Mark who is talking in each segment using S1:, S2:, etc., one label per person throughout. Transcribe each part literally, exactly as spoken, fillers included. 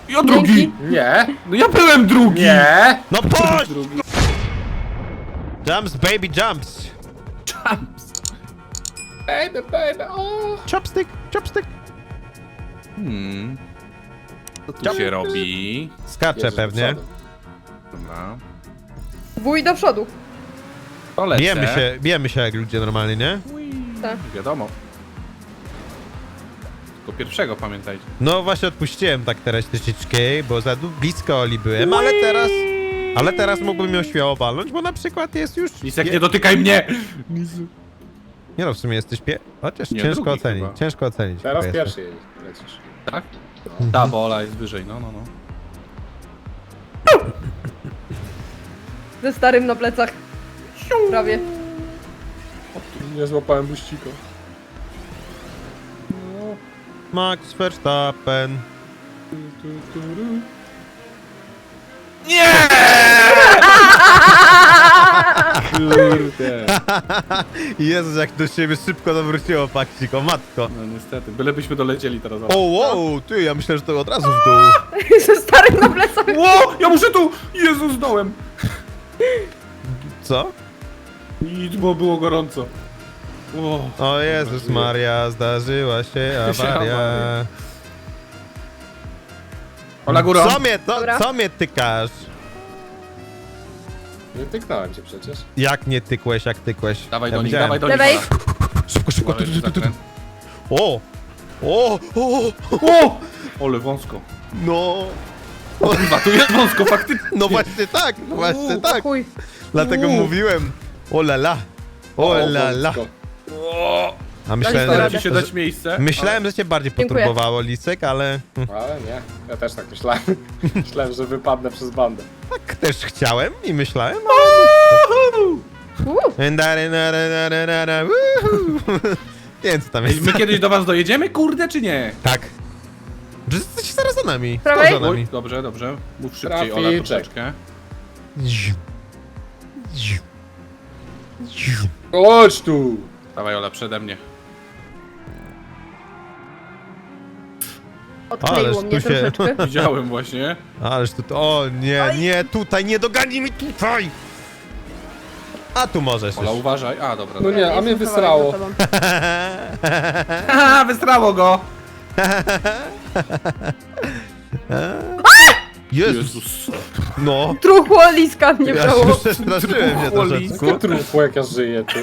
S1: Ja drugi!
S2: Dzięki.
S3: Nie,
S1: No ja byłem drugi!
S3: nie.
S4: No puść!
S1: Drugi.
S4: Jumps, baby, jumps!
S1: Jumps.
S3: Baby, baby, o.
S4: Chopstick, chopstick!
S1: Hmm. Co tu
S4: Jump.
S1: się robi?
S4: Skacze
S3: Jezus, do
S4: pewnie.
S3: przodu.
S1: Dobra.
S2: Wuj do przodu.
S1: To lecę.
S4: Bijemy się, bijemy się jak ludzie normalnie, nie?
S2: Tak.
S1: Wiadomo. Tylko pierwszego pamiętajcie.
S4: No właśnie odpuściłem tak teraz troszeczkę, bo za du- blisko Oli byłem, ale teraz... Ale teraz mógłbym ją śmiało walnąć, bo na przykład jest już...
S1: Lisek,
S4: pie-
S1: nie dotykaj mnie!
S4: Nie no, w sumie jesteś pie... Chociaż
S1: Nie,
S4: ciężko
S1: drugi
S4: ocenić,
S1: chyba.
S4: ciężko ocenić.
S3: Teraz
S4: jaka
S3: pierwszy jedziesz, lecisz.
S1: Tak? Ta bola jest wyżej, no, no, no.
S2: Ze starym na plecach. Prawie.
S3: Nie złapałem buścika.
S4: jest. Max Verstappen.
S1: Nie! Kurde.
S4: Jezus, jak do siebie szybko zawróciło paksik, o matko.
S1: No niestety, bylebyśmy dolecieli teraz.
S4: O wow, ty, ja myślę, że to od razu w dół.
S2: Ze starym na plecach.
S1: Ło! Ja muszę tu! Jezu, zdołem!
S4: Co?
S1: Nic, bo było gorąco. Ło.
S4: O Jezus Maria, zdarzyła się awaria.
S1: awaria. Ola górą!
S4: Co mnie, to,
S2: Dobra.
S4: co mnie tykasz?
S3: Nie tyknąłem cię przecież.
S4: Jak nie tykłeś, jak tykłeś?
S1: Dawaj
S4: Ja
S1: do nich,
S4: widziałem.
S1: dawaj do nich.
S2: Lewej.
S1: Ola.
S4: Szybko, szybko, tu,
S1: Uważaj,
S4: tu, tu, tu, tu.
S1: zakręt.
S4: O! O! O!
S1: O! Ole wąsko.
S4: No!
S1: Kurwa, tu jest wąsko, faktycznie.
S4: No właśnie tak, no właśnie tak.
S2: Chuj.
S4: Dlatego
S1: Uuu.
S4: mówiłem. O la la. O la la.
S3: wąsko.
S1: O!
S4: A myślałem,
S1: Staram
S4: że,
S1: ci się dać miejsce.
S4: myślałem, że cię bardziej
S2: Dziękuję.
S4: poturbowało Lisek, ale
S3: Ale nie, ja też tak myślałem. Myślałem, że wypadnę przez bandę.
S4: tak też chciałem i myślałem.
S2: Uuu.
S4: ale- Woohoo. Nie wiem co tam
S1: Ej,
S4: jest.
S1: my kiedyś do was dojedziemy, kurde, czy nie?
S4: Tak. Że jesteście zaraz za nami. Kto
S2: Prawej?
S4: za
S1: Oj,
S4: nami?
S1: dobrze, dobrze. Mów szybciej, Ola,
S3: Traficzek.
S1: troszeczkę.
S3: Chodź tu!
S1: Dawaj, Ola, przede mnie.
S2: Odkleiło
S4: Ależ
S2: mnie
S4: tu się-
S2: troszeczkę.
S1: Widziałem właśnie.
S4: Ależ tu... O nie, nie, tutaj, nie dogani mi tutaj! A tu możesz
S1: Ola,
S4: już.
S1: uważaj. A, dobra.
S3: No
S1: dobra.
S3: nie, a mnie
S2: Jestem
S3: wysrało.
S2: kawałek za tobą.
S1: Haha, wystrało go!
S4: Jezus,
S1: Jezus.
S4: no.
S2: Truchło liska mnie
S4: Ja
S2: wzięło.
S4: się przestraszyłem się troszeczkę.
S3: Jakie trupło, jak ja żyję, ty.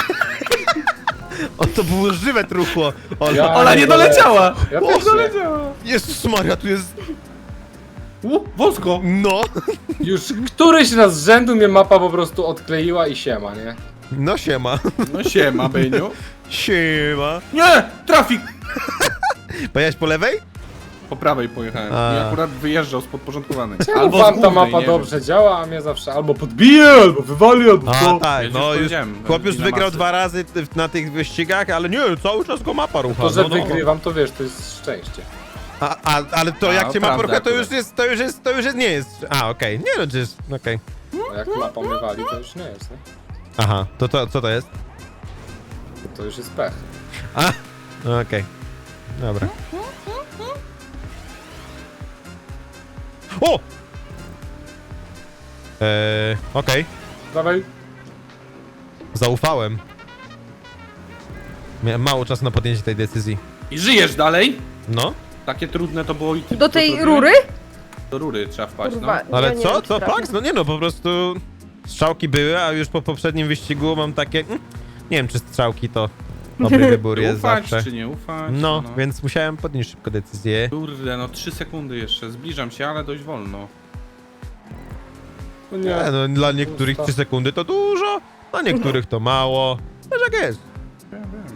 S4: O, to było żywe truchło. Ola.
S3: Ja-
S1: Ola nie doleciała!
S3: Ja
S4: O,
S3: też nie.
S1: doleciała!
S4: Jezus Maria, tu jest...
S1: U, wąsko!
S4: No.
S3: Już któryś raz z rzędu mnie mapa po prostu odkleiła i siema, nie?
S4: No siema.
S1: No siema, Byniu.
S4: Siema.
S1: Nie! Trafik!
S4: Pojechałeś po lewej?
S1: Po prawej pojechałem.
S4: A.
S1: I akurat wyjeżdżał z podporządkowanej.
S3: Albo
S1: z
S3: wam ta
S1: głównej,
S3: mapa
S1: nie
S3: dobrze działa, a mnie zawsze albo podbije, albo wywali, albo
S4: A,
S3: co.
S4: tak,
S1: Ja
S4: no
S1: ci
S4: już...
S1: powiedziałem,
S4: Chłop już
S1: ile
S4: wygrał
S1: masy.
S4: dwa razy w- na tych wyścigach, ale nie, cały czas go mapa rucha.
S3: To, że
S4: no, no.
S3: wygrywam, to wiesz, to jest szczęście.
S4: A, a, ale to
S1: A,
S4: jak cię ma
S1: prawda
S4: rucha, to już
S1: akurat.
S4: jest, to już jest, to już jest, nie jest... A, okej, nie no, to jest, okej.
S3: A jak mapa mnie wali, to już nie jest, nie?
S4: Aha, to, to co to jest?
S3: To już jest pech.
S4: A, okej. Dobra. O! Eee, okej.
S3: Dawaj.
S4: Zaufałem. Miałem mało czasu na podjęcie tej decyzji.
S1: I żyjesz dalej?
S4: No,
S1: Takie trudne to było i ty
S2: Do
S1: to
S2: tej
S1: zrobiłeś?
S2: rury?
S1: Do rury trzeba wpaść,
S2: Kurwa.
S1: no.
S4: ale
S2: ja nie
S4: co?
S2: wiem, czy
S4: Co,
S2: trafię.
S4: Pax? No nie no, po prostu strzałki były, a już po poprzednim wyścigu mam takie... mm, Nie wiem, czy strzałki to dobry wybór
S1: Czy
S4: jest
S1: ufać,
S4: zawsze.
S1: czy nie ufać?
S4: No, więc musiałem podnieść szybko decyzję.
S1: Kurde, no trzy sekundy jeszcze. Zbliżam się, ale dość wolno.
S3: No
S4: Nie,
S3: nie.
S4: no, dla niektórych
S3: Pusta.
S4: trzy sekundy to dużo, dla niektórych to mało. Wiesz jak jest.
S1: Ja wiem.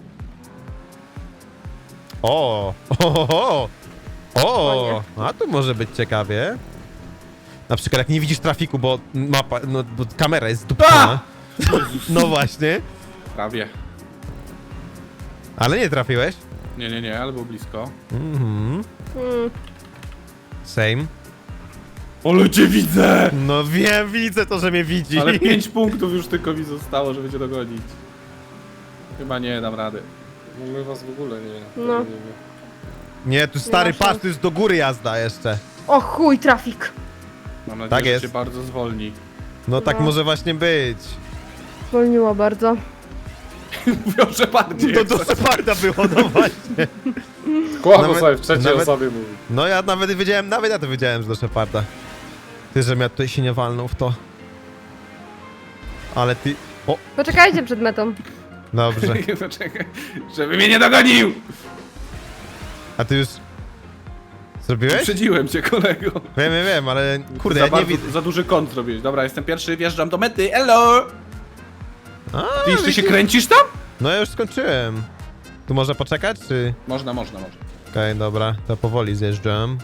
S4: O, o, o, o,
S2: O
S4: a tu może być ciekawie. Na przykład jak nie widzisz trafiku, bo mapa, no bo kamera jest zdupcona. No właśnie,
S1: Prawie.
S4: ale nie trafiłeś.
S1: Nie, nie, nie, ale było blisko.
S4: Mhm,
S2: Hmm.
S4: same.
S1: Ale cię widzę!
S4: No wiem, widzę to, że mnie widzi.
S1: Ale pięć punktów już tylko mi zostało, żeby cię dogonić. Chyba nie dam rady.
S3: No my was w ogóle nie...
S2: No.
S3: nie,
S4: Nie, tu stary,
S2: ma
S4: patrz,
S2: szans.
S4: tu jest do góry jazda jeszcze.
S2: O chuj, trafik.
S1: Mam nadzieję,
S4: Tak
S1: że
S4: jest.
S1: cię bardzo zwolni.
S4: No tak
S2: No.
S4: może właśnie być.
S2: Zwolniło bardzo.
S1: Mówią, że bardziej.
S4: To do Sheparda było, no właśnie.
S3: Kłamał
S4: Nawet-
S3: sobie w trzeciej
S4: nawet-
S3: osobie mówi.
S4: No ja nawet wiedziałem, nawet ja to wiedziałem, że do Sheparda. Ty, żebym ja tutaj się nie walnął w to. Ale ty... O,
S2: Poczekajcie przed metą.
S4: dobrze.
S1: Poczekaj, żeby mnie nie dogonił!
S4: A ty już... Zrobiłeś?
S1: Uprzedziłem cię, kolego.
S4: Wiem, wiem, wiem, ale kurde,
S1: za,
S4: ja nie
S1: bardzo,
S4: widzę.
S1: za duży kąt zrobiłeś. Dobra, jestem pierwszy, wjeżdżam do mety. Hello!
S4: A,
S1: Ty jeszcze się
S4: widzisz?
S1: kręcisz tam?
S4: No ja już skończyłem. Tu można poczekać, czy...
S1: Można, można, można.
S4: Okej, dobra, to powoli zjeżdżam.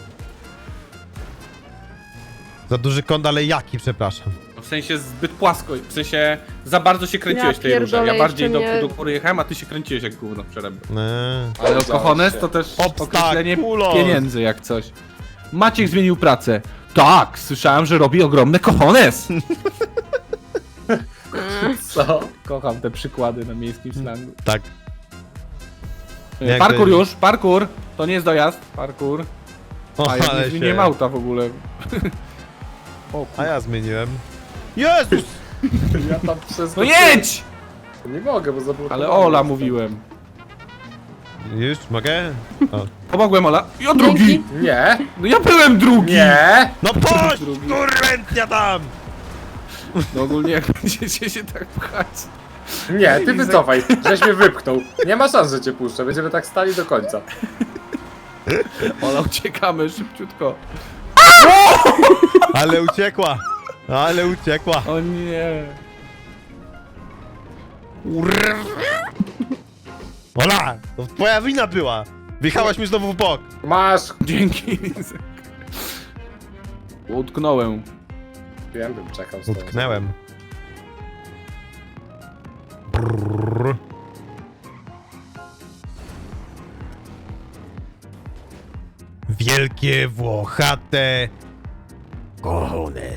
S4: Za duży kąt, ale jaki, przepraszam.
S1: W sensie zbyt płasko, w sensie za bardzo się kręciłeś
S2: Ja
S1: tej róże. Ja
S2: pierdolę,
S1: bardziej do,
S2: jeszcze nie-
S1: do góry jechałem, a ty się kręciłeś jak gówno w przerębie.
S4: Eee.
S1: Ale
S3: Zgadza
S1: kochones
S3: się.
S1: to też
S4: Obstakulos.
S1: określenie pieniędzy jak coś. Maciek zmienił pracę. Tak, słyszałem, że robi ogromne kochones.
S3: Co?
S1: Kocham te przykłady na miejskim slangu.
S4: Tak. Jak
S1: Parkour
S4: to-
S1: już, parkour. To nie jest dojazd, parkour.
S4: O,
S1: A ja
S4: ale
S1: nie
S4: się...
S1: zmieniłem auta w ogóle. O,
S4: A ja zmieniłem. Jezus!
S3: Ja tam przez...
S1: no jedź!
S3: Nie mogę, bo zablokowałem.
S1: Ale Ola mówiłem.
S4: Już, mogę? O.
S1: Pomogłem Ola. Ja drugi!
S2: Dzięki.
S3: Nie,
S1: No ja byłem drugi!
S3: nie.
S4: No poś!
S1: Drugi.
S4: Kurwętnia tam!
S1: No ogólnie jak będziecie się tak pchać.
S3: Nie, ty wycofaj, żeś mnie wypchnął. Nie ma szans, że cię puszczę, będziemy tak stali do końca.
S1: Ola, uciekamy szybciutko.
S4: Ale uciekła! Ale uciekła!
S1: O nie.
S4: Ola! To twoja wina była! Wjechałaś mi znowu w bok!
S3: Masz.
S1: Dzięki. Utknąłem.
S3: Wiem, bym czekał z tobą.
S4: Utknęłem. Brrr. Wielkie Włochate cojones.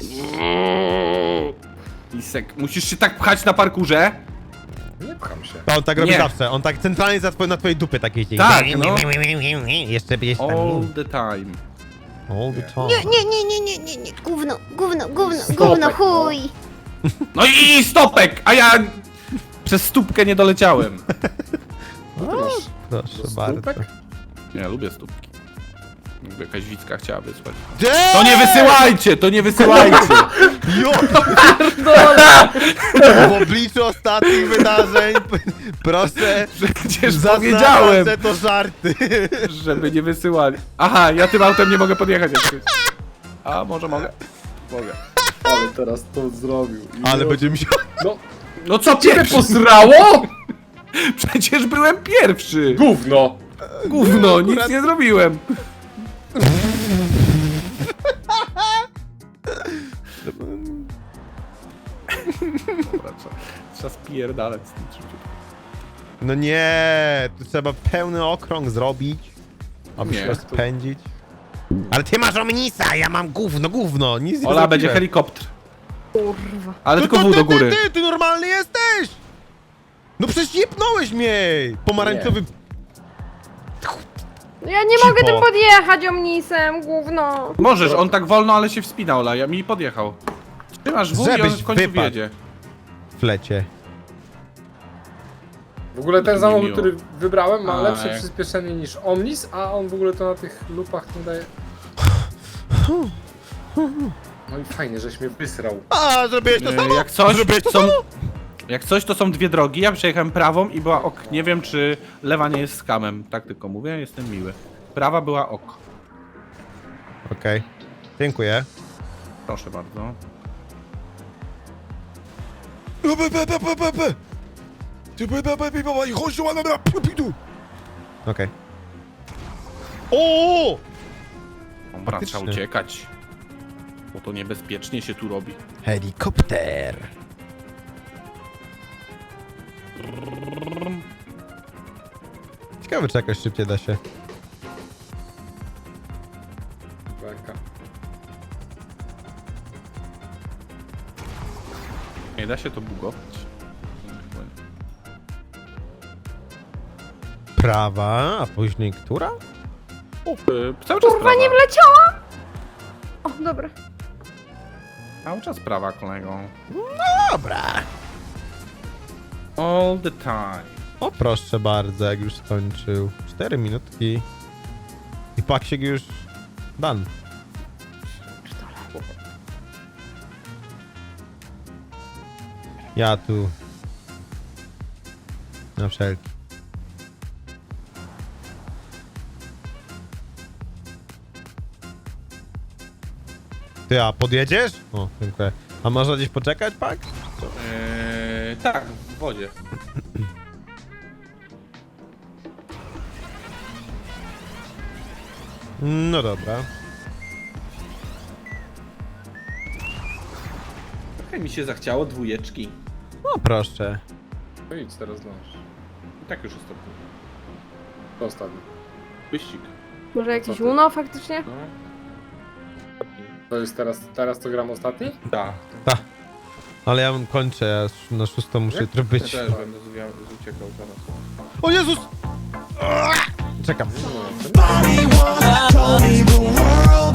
S1: Lisek, musisz się tak pchać na parkurze?
S3: Nie pcham się.
S4: To on tak robi
S1: Nie.
S4: zawsze, on tak centralnie za twoje, na twojej dupie tak jeździ.
S1: Tak, no.
S4: Jeszcze, jeszcze tam.
S1: All the time.
S4: All the time.
S5: Nie, nie, nie, nie, nie, nie, nie, gówno, gówno, gówno,
S3: Stopek,
S5: gówno,
S3: no.
S5: chuj.
S1: No i stopek, a ja przez stópkę nie doleciałem.
S3: Proszę.
S4: Proszę
S3: To
S4: bardzo.
S3: stópek?
S1: Ja lubię stópki. Jakby jakaś widzka chciała wysłać.
S4: Gdzie?
S1: To nie wysyłajcie, to nie wysyłajcie.
S4: Jo! W obliczu ostatnich wydarzeń p- proszę
S1: Przecież
S4: zaznaczać,
S1: powiedziałem,
S4: że to żarty.
S1: żeby nie wysyłali. Aha, ja tym autem nie mogę podjechać jak coś. A może mogę? Mogę.
S3: Ale teraz to zrobił. I
S4: Ale
S3: no-
S4: będzie mi się...
S3: No,
S1: No co
S3: ciebie
S1: pierwszy?
S3: posrało?
S1: Przecież byłem pierwszy.
S3: Gówno.
S1: Gówno, nic
S4: Akurat-
S1: nie zrobiłem. Dobra, trzeba, trzeba spierdalać z tym szybciutko.
S4: No nie, tu trzeba pełny okrąg zrobić, aby
S1: Nie,
S4: się
S1: to-
S4: rozpędzić. Ale ty masz omnisa, ja mam gówno, gówno, nic nie
S1: Ola,
S4: zrobiłem.
S1: będzie helikopter.
S2: Kurwa.
S1: Ale
S4: No
S1: tylko
S4: to
S1: w do
S4: ty,
S1: góry.
S4: Ty, ty, ty normalny jesteś! No przecież jebnąłeś mnie! Pomarańczowy...
S2: No ja nie
S4: Cipo.
S2: mogę tym podjechać omnisem, gówno.
S1: Możesz, on tak wolno, ale się wspina, Ola, ja mi podjechał. Trzymasz w i on
S4: Żebyś
S1: w końcu
S4: wypadł.
S1: wjedzie.
S4: w lecie.
S3: W ogóle ten
S1: Nie
S3: samochód,
S1: miło.
S3: który wybrałem, ma
S1: A,
S3: lepsze
S1: jak-
S3: przyspieszenie niż Omnis, a on w ogóle to na tych lupach nie daje... No i fajnie, żeś mnie wysrał.
S4: A, zrobiłeś to
S1: E,
S4: samo?
S1: Jak coś,
S4: Zrobiłeś to
S1: są,
S4: samo?
S1: jak coś, to są dwie drogi. Ja przejechałem prawą i była ok. Nie wiem, czy lewa nie jest skamem. Tak tylko mówię, jestem miły. Prawa była ok.
S4: Okej, dziękuję.
S1: Proszę bardzo.
S4: Okej. O!
S1: Dobra,
S4: Faktycznie.
S1: trzeba uciekać. Bo to niebezpiecznie się tu robi.
S4: Helikopter. Ciekawe, czy jakoś szybciej da się.
S3: Beka.
S1: Nie da się to bugować.
S4: Prawa, a później która?
S1: Y, Cały czas
S2: Kurwa, nie
S1: prawa.
S2: wleciałam! O, dobra.
S1: Cały czas prawa, kolego.
S4: Dobra.
S1: All the time.
S4: O, proszę bardzo, jak już skończył. Cztery minutki. I paksiek już done. Ja tu. Na wszelki. Ty, a podjedziesz? O, dziękuję. A można gdzieś poczekać, pak?
S1: Eee, tak, w wodzie.
S4: No dobra.
S1: Trochę mi się zachciało dwójeczki.
S4: No proszę.
S3: No idź teraz dąż.
S1: I tak już ostatni.
S3: To ostatni.
S1: Wyścig.
S2: Może jakiś
S3: ty?
S2: Uno faktycznie?
S1: No.
S3: To jest teraz, teraz to gram ostatni?
S1: Tak.
S4: Ta. Ale ja kończę, ja sz- na szóstą muszę jutro
S1: Ja
S4: być.
S1: też będę zwiał- uciekał zaraz.
S4: O Jezus! Czekam.
S3: No,
S6: Body wanna tell me the world